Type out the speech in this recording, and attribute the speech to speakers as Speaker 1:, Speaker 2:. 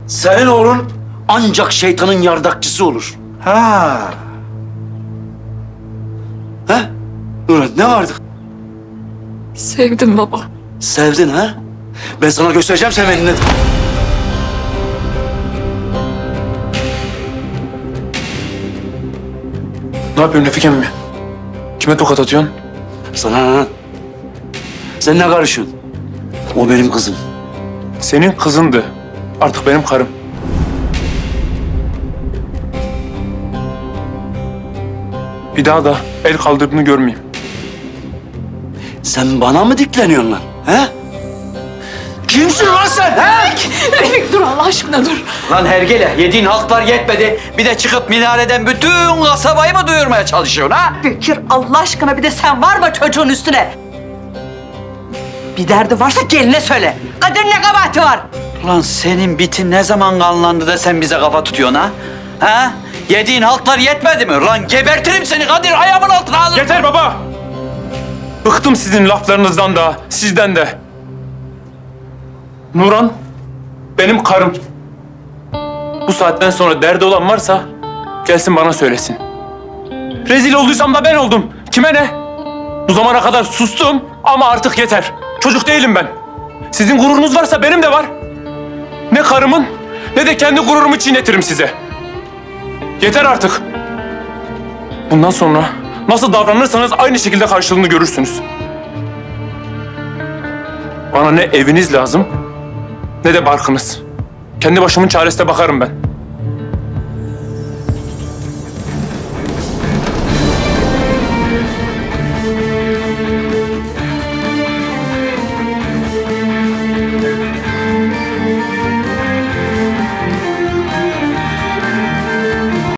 Speaker 1: Senin oğlun ancak şeytanın yardakçısı olur.
Speaker 2: Ha.
Speaker 1: He? Nurhan ne vardı?
Speaker 3: Sevdim baba.
Speaker 1: Sevdin ha? Ben sana göstereceğim sevenini.
Speaker 2: Ne yapıyorsun Refik emmi? Kime tokat atıyorsun?
Speaker 1: Sana ne? Sen ne karışıyorsun? O benim kızım.
Speaker 2: Senin kızındı. Artık benim karım. Bir daha da el kaldırdığını görmeyeyim.
Speaker 1: Sen bana mı dikleniyorsun lan? He? Kimsin lan sen? He?
Speaker 3: Refik dur Allah aşkına dur.
Speaker 4: Lan hergele, yediğin halklar yetmedi. Bir de çıkıp minareden bütün kasabayı mı duyurmaya çalışıyorsun ha?
Speaker 5: Bekir Allah aşkına bir de sen var mı çocuğun üstüne? Bir derdi varsa geline söyle. Kadir ne kabahati var?
Speaker 4: Lan senin bitin ne zaman kanlandı da sen bize kafa tutuyorsun ha? Ha? Yediğin halklar yetmedi mi? Lan gebertirim seni Kadir, ayağımın altına alırım.
Speaker 2: Yeter baba! Bıktım sizin laflarınızdan da, sizden de. Nurhan, benim karım. Bu saatten sonra derdi olan varsa gelsin bana söylesin. Rezil olduysam da ben oldum. Kime ne? Bu zamana kadar sustum ama artık yeter. Çocuk değilim ben. Sizin gururunuz varsa benim de var. Ne karımın ne de kendi gururumu çiğnetirim size. Yeter artık. Bundan sonra nasıl davranırsanız aynı şekilde karşılığını görürsünüz. Bana ne eviniz lazım ne de barkınız. Kendi başımın çaresine bakarım ben.